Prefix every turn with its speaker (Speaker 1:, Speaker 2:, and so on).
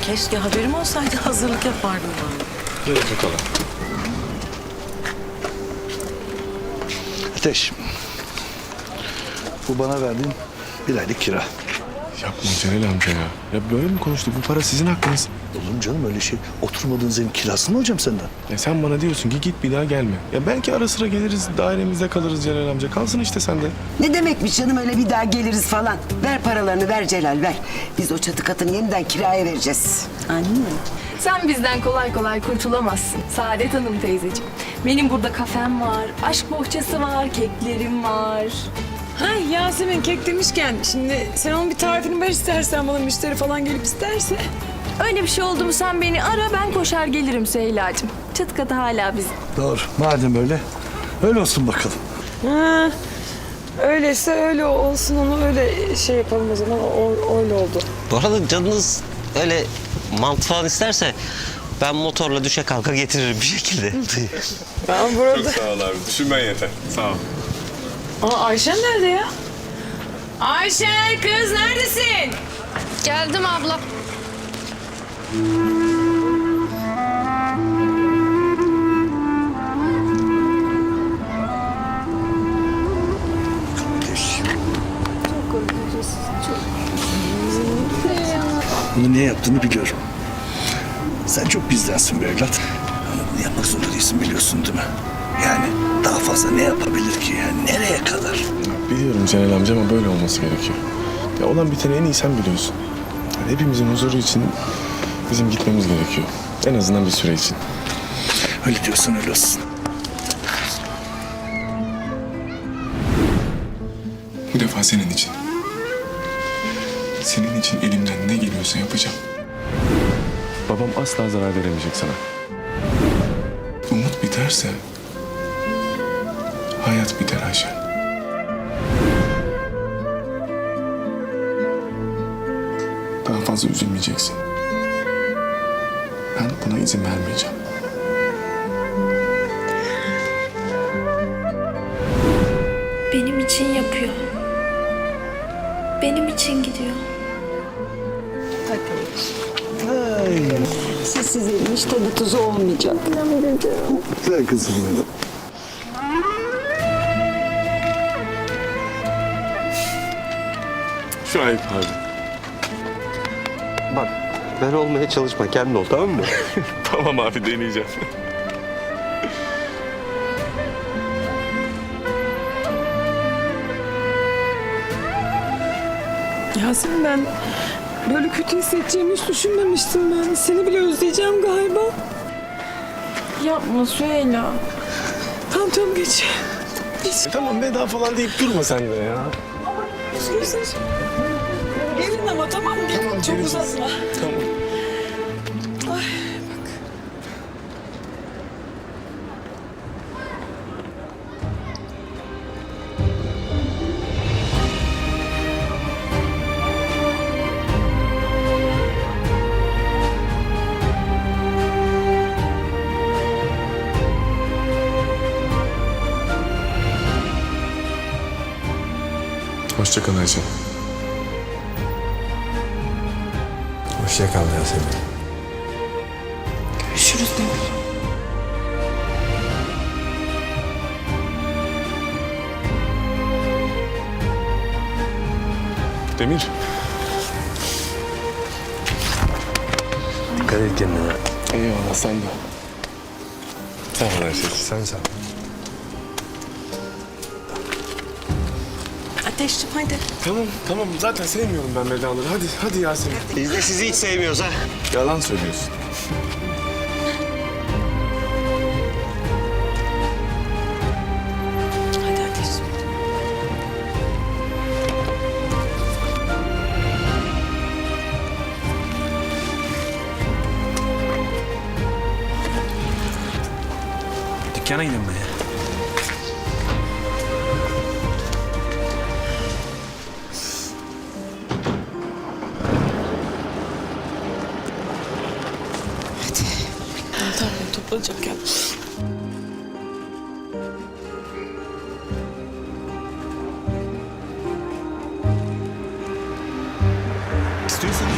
Speaker 1: Keşke haberim olsaydı hazırlık yapardım ben.
Speaker 2: Buyurun bakalım.
Speaker 3: Ateş. Bu bana verdiğin bir aylık kira.
Speaker 2: Yapma Celal amca ya. Ya böyle mi konuştuk? Bu para sizin hakkınız.
Speaker 3: Olur mu canım öyle şey? Oturmadığınız evin kirasını mı alacağım senden?
Speaker 2: Ya sen bana diyorsun ki git bir daha gelme. Ya belki ara sıra geliriz, dairemizde kalırız Celal amca. Kalsın işte sende.
Speaker 4: Ne demekmiş canım öyle bir daha geliriz falan. Ver paralarını ver Celal ver. Biz o çatı katını yeniden kiraya vereceğiz.
Speaker 1: Anne.
Speaker 5: Sen bizden kolay kolay kurtulamazsın Saadet Hanım teyzeciğim. Benim burada kafem var, aşk bohçası var, keklerim var.
Speaker 6: Ha Yasemin kek demişken şimdi sen onun bir tarifini ver istersen bana müşteri falan gelip isterse.
Speaker 5: Öyle bir şey oldu mu sen beni ara, ben koşar gelirim Süheyla'cığım. Çatı katı hala bizim.
Speaker 3: Doğru. Madem öyle, öyle olsun bakalım.
Speaker 6: Ha, öyleyse öyle olsun onu öyle şey yapalım o zaman öyle oldu.
Speaker 7: Bu arada canınız öyle mantı falan isterse ben motorla düşe kalka getiririm bir şekilde.
Speaker 6: Ben burada.
Speaker 2: Sağ ol abi. Düşünmen yeter. Sağ ol.
Speaker 6: Aa Ayşen nerede ya? Ayşen kız neredesin?
Speaker 5: Geldim abla.
Speaker 3: Ateş. Bunu niye yaptığını biliyorum. Sen çok bizdensin be evlat. Ama bunu yapmak zorunda değilsin biliyorsun değil mi? Yani daha fazla ne yapabilir ki yani? Nereye kadar?
Speaker 2: Biliyorum Celal amca ama böyle olması gerekiyor. Ya olan biteni en iyi sen biliyorsun. Yani hepimizin huzuru için bizim gitmemiz gerekiyor. En azından bir süre için.
Speaker 3: Öyle diyorsan öyle olsun.
Speaker 2: Bu defa senin için. Senin için elimden ne geliyorsa yapacağım. Babam asla zarar veremeyecek sana. Umut biterse hayat biter Ayşen. Daha fazla üzülmeyeceksin. Ben buna izin vermeyeceğim.
Speaker 8: Benim için yapıyor. Benim için gidiyor.
Speaker 4: Sessiz evin hiç tadı tuzu olmayacak.
Speaker 3: Güzel kızım benim.
Speaker 2: Şu ayıp abi.
Speaker 7: Bak ben olmaya çalışma kendin ol tamam mı?
Speaker 2: Tamam abi deneyeceğim.
Speaker 6: Yasemin ben böyle kötü hissedeceğimi hiç düşünmemiştim ben. Seni bile özleyeceğim galiba.
Speaker 5: Yapma Süheyla.
Speaker 6: Tamam geç.
Speaker 2: Tamam veda falan deyip durma sen de ya.
Speaker 6: Gelin ama tamam gelin çok uzatma.
Speaker 2: Tamam. Hoşça kal Ayşe.
Speaker 9: Hoşça kal Yasemin.
Speaker 6: Görüşürüz Demir.
Speaker 2: Demir.
Speaker 9: Dikkat et kendine.
Speaker 2: Eyvallah sen de. Sağ ol Ayşe.
Speaker 9: Sen sağ ol.
Speaker 1: Ateşciğim hadi.
Speaker 2: Tamam zaten sevmiyorum ben vedaları. Hadi Yasemin.
Speaker 7: Biz de sizi hiç sevmiyoruz ha.
Speaker 2: Yalan söylüyorsun.
Speaker 1: Hadi Ateşciğim.
Speaker 9: Dükkana gidelim be.
Speaker 6: Tamam toplanacak ya.
Speaker 2: İstiyorsan